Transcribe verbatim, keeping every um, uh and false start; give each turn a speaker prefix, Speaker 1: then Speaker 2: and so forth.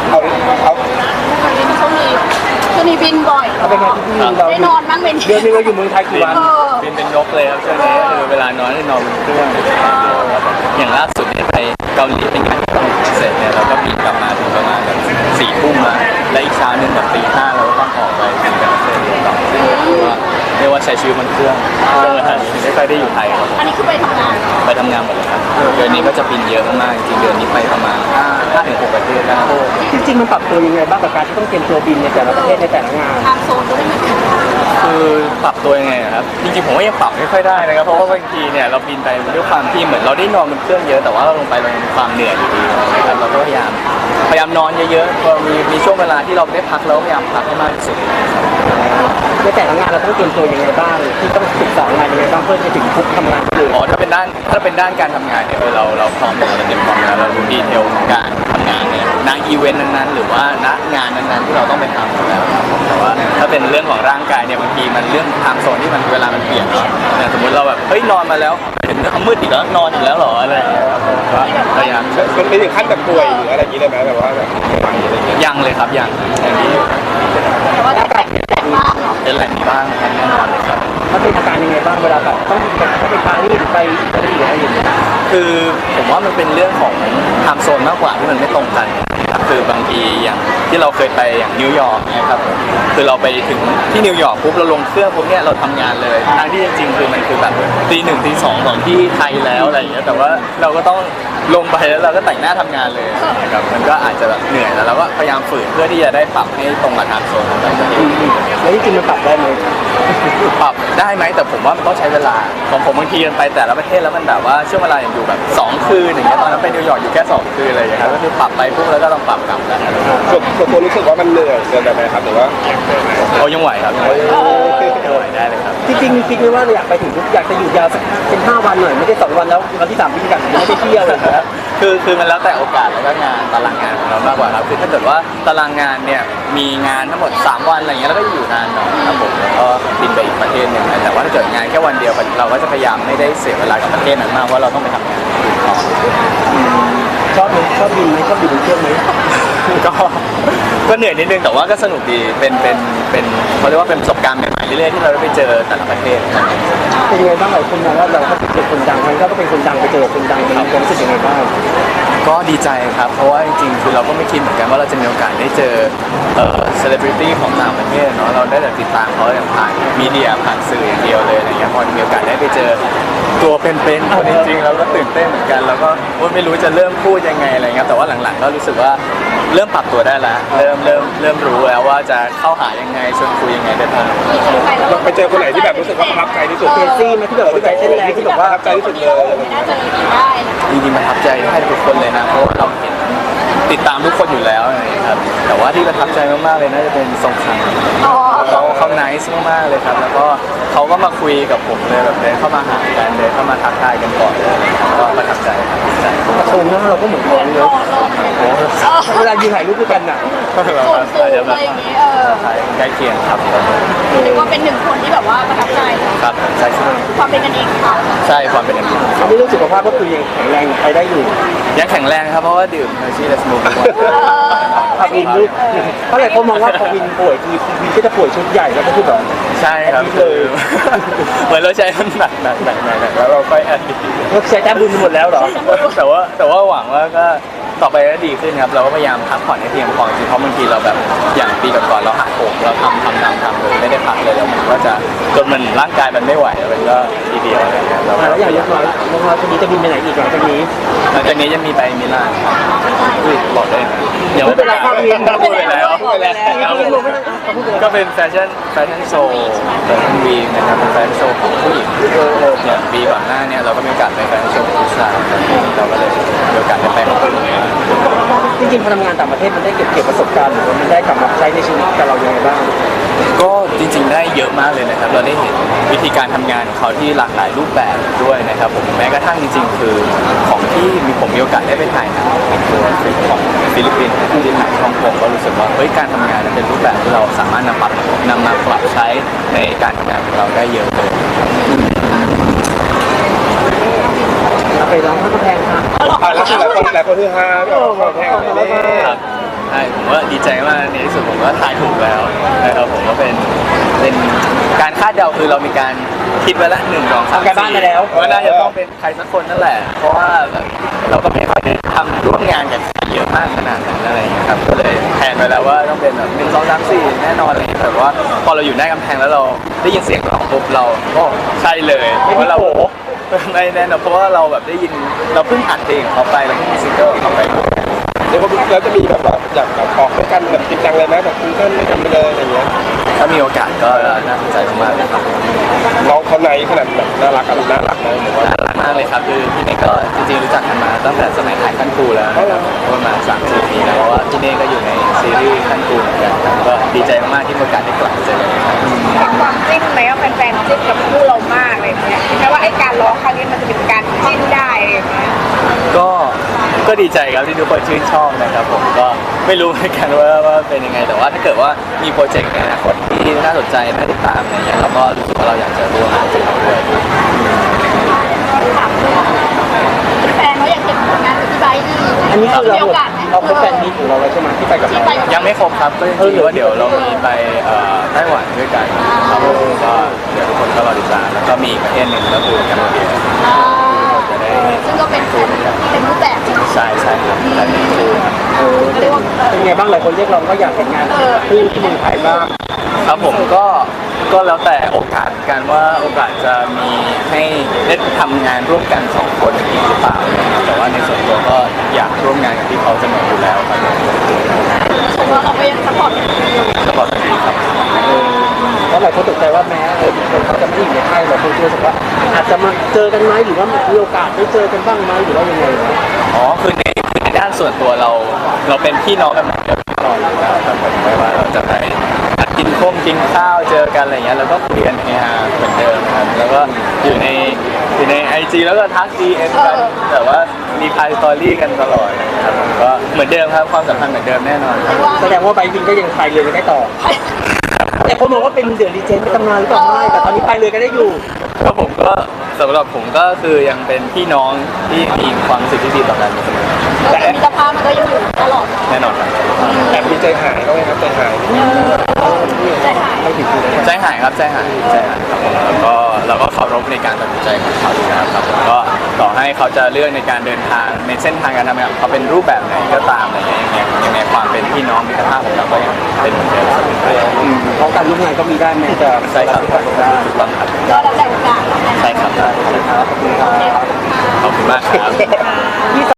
Speaker 1: เอาเอา
Speaker 2: ช่วงนี้ช่วงนี้บินบ่อย
Speaker 1: เอาเป็นไงที่เรา
Speaker 2: ได้นอนบ้างเป็น
Speaker 1: เดือนนึงเราอยู่เมืองไทยกี่วัน
Speaker 3: บินเป็นนกเลยครับช่วงนี้คือเวลานอนให้นอนบนเครื่องอย่างล่าสุดเนี่ยไปเกาหลีเป็นงานที่ต้องเสร็จเนี่ยเราก็บินกลับมาถึงประมาณแบบสี่ทุ่มมาและอีกเช้าหนึ่งแบบตีห้าเราก็ต้องออกไปบินกับเซนต่อว่าเรียกว่าใช้ชีวิตบนเครื่องช่วงเวลานี้ไม่ค่อยได้อยู่ไทยครับ
Speaker 2: อันนี้คือไปทำงาน
Speaker 3: ไปทำงานหมดเลยครับเดือนนี้ก็จะบินเยอะมากจริงเดือนนี้ไปประมาณห้าห้าถึงหกประเทศได้
Speaker 1: จริงๆมันปรับตัวยังไงบ้างกับการที่ต้องเตรียมตัวบินในแต่ละประเทศในแต่ละงาน
Speaker 2: ทางโซนก็ไม่เหมือนกัน
Speaker 3: คือปรับตัวยังไงครับจริงๆผมว่ายังปรับไม่ค่อยได้นะครับเพราะว่าบางทีเนี่ยเราบินไปด้วยความที่เหมือนเราได้นอนบนเครื่องเยอะแต่ว่าเราลงไปเรามีความเหนื่อยอยู่ดีนะครับเราก็พยายามพยายามนอนเยอะๆพอมีมีช่วงเวลาที่เราได้พักเราพยายามพักให้มากที่สุด
Speaker 1: ในแต่ละงานเราต้องเตรียมตัวยังไงบ้างที่ต้องศึกษางานยังไงบ้างเพื่อจะถึงทุกทำงานเลย
Speaker 3: อ๋อถ้าเป็นด้านถ้าเป็นด้านการทำงานเนี่ยเราเราพร้อมเราเตรียมพร้อมแล้วเรารู้ดีเทลของการทำงานเนี่ยณอีเวนต์นั้นๆหรือว่าณงานนั้นๆที่เราต้องไปทำอยู่แล้วครับแต่ว่าถ้าเป็นเรื่องของร่างกายเนี่ยบางทีมันเรื่องไทม์โซนที่มันเวลามันเปลี่ยนเนาะอย่างสมมติเราแบบเฮ้ยนอนมาแล้วเห็นมืดอีกแล้วนอนอีกแล้วหรออะไรอย่างเงี้ยครับผมก็พยายาม
Speaker 1: มันไม่ถึงขั้นแบบป่วยหรืออะไรอย่างนี้เลยไหมแบบว่าแบบ
Speaker 3: ยังเลยครับยังอย่างนี้
Speaker 2: แต่ว่าแต่แต่บ้าง
Speaker 3: เป็นแหล่งบ้างครับแน่นอนเลยครับ
Speaker 1: มันเป็นอาการยังไงบ้างเวลาแบบต้องต้องไปปารีสไปอิตาลีอะไรอย่างเงี้ย
Speaker 3: คือผมว่ามันเป็นเรื่องของไทม์โซนมากกว่าที่มันไม่ตรงกันครับคือบางทีอย่างที่เราเคยไปอย่างนิวยอร์กเนี่ยครับคือเราไปถึงที่นิวยอร์กปุ๊บเราลงเครื่องปุ๊บเนี่ยเราทำงานเลยทั้งที่จริงๆคือมันคือแบบตีหนึ่งตีสองของที่ไทยแล้วอะไรอย่างเงี้ยแต่ว่าเราก็ต้องลงไปแล้วเราก็แต่งหน้าทำงานเลยนะครับมันก็อาจจะแบบเหนื่อยแล้วเราก็พยายามฝืนเพื่อที่จะได้ปรับให้ตรงกับไทม์โซนของแต่ละประเทศ
Speaker 1: แล้วจริงๆมันปรับได้ไหม
Speaker 3: ปรับได้ไหมแต่ผมว่ามันต้องใช้เวลาของผมบางทีมันไปแต่ละประเทศแล้วมันแบบว่าช่วงเวลาอย่างอยู่แบบสองคืนอย่างเงี้ยตอนนั้นไปนิวยอร์กอยู่แค่สองคืนอะไรอย่างเงี้ยครับก็คือปรับไปปุ๊บแล้วก็ต้องปรับกลับแล้ว
Speaker 1: ส่วนส่วนตัวรู้สึกว่ามันเหนื่อยเกินไปไหมครับหรือว่า
Speaker 3: เขายังไหวครับยังไหวได้เลยครับ
Speaker 1: จริงๆคิดไหมว่าอยากไปถึงอยากจะอยู่ยาวสักเป็นห้าวันหน่อยไม่ได้สองวันแล้ววันที่สามพี่กันไม่ได้เที่ยวเลยครับ
Speaker 3: คือคือมันแล้วแต่โอกาสแล้วก็งานตารางงานของเรามากกว่าครับคือถ้าเกิดว่าตารางงานเนี่ยมีงานทั้งหมดสามวันอะไรเงี้ยแล้วก็อยู่นานหน่อยครับผมแล้วก็บินไปอีกประเทศหนึ่งแต่ว่าถ้าเกิดงานแค่วันเดียวเราก็จะพยายามไม่ได้เสียเวลากับประเทศนั้นมากเพราะเราต้องไปทำงานต่อ
Speaker 1: ชอบไหมชอบบินไหมชอบบินบนเครื่องไหม
Speaker 3: ก็ก็เหนื่อยนิดนึงแต่ว่าก็สนุกดีเป็นเป็นเป็นเขาเรียกว่าเป็นประสบการณ์ใหม่ๆเรื่อยๆที่เราได้ไปเจอแต่ละประเทศ
Speaker 1: เป็นยังไงบ้างหลายคนมองว่าเราก็เป็นคนดังมันก็เป็นคนดังไปเจอคนดังเป็นความรู้สึกยังไงบ้าง
Speaker 3: ก็ดีใจครับเพราะว่าจริงๆคือเราก็ไม่คิดเหมือนกันว่าเราจะมีโอกาสได้เจอเอ่อเซเลบริตี้ของต่างประเทศเนาะเราได้แต่ติดตามเขาอย่างผ่านมีเดียผ่านสื่ออย่างเดียวเลยอะไรเงี้ยพอมีโอกาสได้ไปเจอตัวเป็นๆคนจริงๆเราก็ตื่นเต้นเหมือนกันแล้วก็ไม่รู้จะเริ่มพูดยังไงอะไรเงี้ยแต่ว่าหลังๆก็รู้สึกว่าเริ่มปรับตัวได้แล้วเริ่มเริ่มเริ่มรู้แล้วว่าจะเข้าหายังไงชวนคุยยังไงได้บ้าง
Speaker 1: ไปเจอคนไหนที่แบบรู้สึกว่าประทับใจที่สุดเคซี่ไหมที่แบบที่แบบเส้นแรงที่แบบว่าประทับใจที่สุดเลย
Speaker 2: น่าจะได้
Speaker 3: จริงๆประทับใจให้ทุกคนเลยนะเพราะว่าเราเห็นติดตามทุกคนอยู่แล้วนะครับแต่ว่าที่ประทับใจมากๆเลยน่าจะเป็นทรงคำเขาเขาไนซ์มากๆเลยครับแล้วก็เขาก็มาคุยกับผมเลยแบบเดินเข้ามาหากันเดินเข้ามาทักทายกันก่อนเลยก็ประทับใจครับดีใจ
Speaker 1: โชว์หน้าเราก็เหมือนกันเลยเวลายืนถ่ายรูปด้วยกันน่ะ
Speaker 2: สูงสูงอะไรอย่างงี้เออ
Speaker 3: ใกล้เคียงครับ
Speaker 2: เรียกว่าเป็นหนึ่งคนที่แบบว่าประทับใจ
Speaker 3: ครับใช่ใช่
Speaker 2: ความเป็นกันเองเขา
Speaker 3: ใช่ความเป็นกันเอง
Speaker 1: เขาไม่รู้สุขภาพก็คือยังแข็งแรงไปได้อยู่
Speaker 3: ยังแข็งแรงครับเพราะว่าดื่มเฮอร์ชี่และสมูททุกวัน
Speaker 1: พาวินลูกเพราะหลายคนมองว่าพาวินป่วยคือวินก็จะป่วยชุดใหญ่แล้วก็คือแบบ
Speaker 3: ใช่ครับคือเหมือนเราใช้มันหนักหนักหนักหนักแล้วเราค่อยแอดดิ
Speaker 1: เราใช้แต้มบุญหมดแล้วเหรอ
Speaker 3: แต่ว่าแต่ว่าหวังว่าก็ต่อไปก็ดีขึ้นครับเราก็พยายามพักผ่อนให้เพียงพอจริงเพราะบางทีเราแบบอย่างปีก่อนๆเราหักโหมเราทำทำทำทำเลยไม่ได้พักเลยแล้วมันก็จะจนมันร่างกายมันไม่ไหวมันก็ทีเดียวอะไรเงี้ย
Speaker 1: แล้วอย่างเล็กน้อยเล็กน้อยคนนี้จะบินไปไหนอีกหลังจากนี้
Speaker 3: หลังจากนี้จะมีไปมิลานบอกได้
Speaker 1: เดี๋ยวไม่เป็นไรครับ
Speaker 3: มีพูดไปแล้วก็เป็นแฟชั่นแฟชั่นโชว์แฟชั่นวีนะครับเป็นแฟชั่นโชว์ของผู้หญิงอย่างปีก่อนหน้าเนี่ยเราก็มีโอกาสไปแฟชั่นโชว์ของผู้ชายเราก็เลยมีโอกาสได้ไปของผู้หญิง
Speaker 1: จริงๆพอทำงานต่างประเทศมันได้เก็บเกี่ยวประสบการณ์หรือว่ามันได้กลับมาใช้ในชีวิตกับเราอย่างไรบ้าง
Speaker 3: ก็จริงๆได้เยอะมากเลยนะครับเราได้เห็นวิธีการทำงานของเขาที่หลากหลายรูปแบบด้วยนะครับผมแม้กระทั่งจริงๆคือของที่มีผมมีโอกาสได้ไปถ่ายหนังในตัวของฟิลิปปินส์ที่ถ่ายฮ่องกงก็รู้สึกว่าเฮ้ยการทำงานเป็นรูปแบบที่เราสามารถนำปรับนำมาปรับใช้ในการทำงานของเราได้เยอะเลย
Speaker 1: ไปร้องข้าวแพงค่ะ
Speaker 3: แล้วหลายคนหลายคนฮือฮา
Speaker 1: ข้าวแพงเลย
Speaker 3: ครับช่ผมว่าดีใจมากในที่สุดผมก็ทายถูกแล้วนะครับผมก็เป็นเป็นการคาดเดาคือเรามีการคิดไว้ละหนึ่งสองสาม
Speaker 1: ทำการบ้านมาแล้ว
Speaker 3: ว่าน่าจะต้องเป็นใครสักคนนั่นแหละ เพราะว่าแบบเราก็ไม่ค่อยได้ทำร่วมงานกันเยอะมากขนาดนั้นอะไรอย่างเงี้ยครับก็เลยแทนไปแล้วว่าต้องเป็นแบบหนึ่งสองสามสี่แน่นอนอะไรอย่างเงี้ยแต่ว่าพอเราอยู่หน้ากำแพงแล้วเราได้ยินเสียงร้องปุ๊บเราก็ใช่เลยเพราะว่าเราไม่แน่นอนเพราะว่าเราแบบได้ยินเราเพิ่งอัดเพลงของเขาไปแล้วก็มีซิงเกิลของเขาไป
Speaker 4: เดี๋ยวเราจะมีแบบว่าอยากแบบออกด้วยกันแบบจริงจังเลยไหมแบบซิงเกิลด้วยกันไปเลยอะไรอย่างเงี้ย
Speaker 3: ถ้ามีโอกาสก็น่าสนใจมากๆเลยครับ
Speaker 4: น้องเขาในขนาดแบบน่ารักอะไรน่ารักนะหรือว่า
Speaker 3: น่ารักมากเลยครับคือพี่เน่ก็จริงๆรู้จักกันมาตั้งแต่สมัยถ่ายขั้นครูแล้วนะครับประมาณสามสี่ปีแล้วเพราะว่าพี่เน่ก็อยู่ในซีรีส์ขั้นครูเหมือนกันครับก็ดีใจมากๆที่มีโอกาสได้กลับมาเจอกันครับ
Speaker 5: ความจิ้นไหมว่าแฟนๆจิ้นกับคู่เรามากอะไรอย่างเงี้ยแม้ว่าไอ้การร้องครั้งนี้มันจะเป็นการจิ้นได้อะไรอย่างเงี้ย
Speaker 3: ก็ก็ดีใจครับที่ทุกคนชื่นชอบนะครับผมก็ไม่รู้เหมือนกันว่าว่าเป็นยังไงแต่ว่าถ้าเกิดว่ามีโปรเจกต์ในอนาคตที่น่าสนใจน่าติดตามอะไรเงี้ยเราก็รู้สึกว่าเราอยากจะร่วมงานกับเขาด้วย
Speaker 2: ถามแฟนเขาอยากเห็นผลงานของพี่ไบร์ทอีก
Speaker 1: อันนี้คือเรา
Speaker 2: มีโอกาสไหม
Speaker 1: เราเป็นแฟนมีของเราแล้วใช่ไหมที่ไปกับ
Speaker 2: ที่
Speaker 1: เรา
Speaker 2: ไปกับ
Speaker 3: ยังไม่ครบครับก็จริงๆว่าเดี๋ยวเรามีไปเอ่อไต้หวันด้วยกันครับผมก็เดี๋ยวทุกคนก็รอติดตามแล้วก็มีอีกประเทศหนึ่งก็คือแคมโบเดีย
Speaker 2: อ่า
Speaker 3: จะได้
Speaker 2: ซึ่งก็เป็นแฟนที่เป็นรูปแบบใช่ไหม
Speaker 3: ใช่ใช่ครับแต่เป็นคู่ครับ
Speaker 1: เออ
Speaker 2: เรียกว่าเออ
Speaker 1: เป็นไงบ้างหลายคนเรียกร้องก็อยากเห็นงานคู่ที่เมืองไทยบ้าง
Speaker 3: ครับผมก็ก็แล้วแต่โอกาสกันว่าโอกาสจะมีให้ได้ทำงานร่วมกันสองคนอีกหรือเปล่านะครับแต่ว่าในส่วนตัวก็อยากร่วมงานกับพี่เขาเสมออยู่แล้วครับ
Speaker 2: เพราะว่าเราก็ยังสปอร์ตอยู่
Speaker 3: สปอร์ตดีครับ
Speaker 1: เพราะหลายคนตกใจว่าแม้เออคนเขาจะไม่อยู่ในค่ายแต่คนรู้สึกว่าอาจจะมาเจอกันไหมหรือว่ามีโอกาสได้เจอกันบ้างไหมหรือว่ายังไงนะ
Speaker 3: อ๋อคือในคือในด้านส่วนตัวเราเราเป็นพี่น้องกันเหมือนเดิมตลอดอยู่แล้วครับผมไม่ว่าเราจะไปนัดกินข้งกินข้าวเจอกันอะไรเงี้ยแล้วก็คุยกันเฮฮาเหมือนเดิมครับแล้วก็อยู่ในอยู่ในไอจีแล้วก็ทักดีเอ็นกันแต่ว่ามีพายสตอรี่กันตลอดนะครับผมก็เหมือนเดิมครับความสัมพันธ์เหมือนเดิมแน่นอนครับ
Speaker 2: ว่า
Speaker 1: แสดงว่าไบร์ทวินก็ยังพายเรือกันได้ต่อ แต่คนมองว่าเป็นเดือดดีเจนเป็นตำนานหรือเปล่าไม่แต่ตอนนี้พายเรือกันได้อยู่
Speaker 3: ก็ผมก็สำหรับผมก็คือยังเป็นพี่น้องที่มีความรู้สึกที่ดีต่อกันเสมอ
Speaker 2: แต่มิตรภาพมันก็ยังอยู่ตลอด
Speaker 3: แน่นอนครับ
Speaker 4: แอบมีใจหายก็ไหมครับใจหาย
Speaker 2: ใจหาย
Speaker 1: ไม่ผิดคือเลย
Speaker 3: ใจหายครับใจหายใจหายครับผมแล้วก็เราก็เคารพในการตัดสินใจของเขาอยู่แล้วครับผมก็ต่อให้เขาจะเลือกในการเดินทางในเส้นทางการทำงานเขาเป็นรูปแบบไหนก็ตามอะไรอย่างเงี้ยยังไงความเป็นพี่น้องมิตรภาพของเราก็ยังเป็นเหมือนเดิมเสมอไป
Speaker 1: อืมเพราะการร่วมงานก็มีได้แม้จะ
Speaker 3: ใช่ครับถูกต้องครับ
Speaker 2: ก็แล้วแต่โอกาส
Speaker 3: ใช่ครับ
Speaker 1: ขอบคุณครับ
Speaker 3: ขอบคุณมากครับ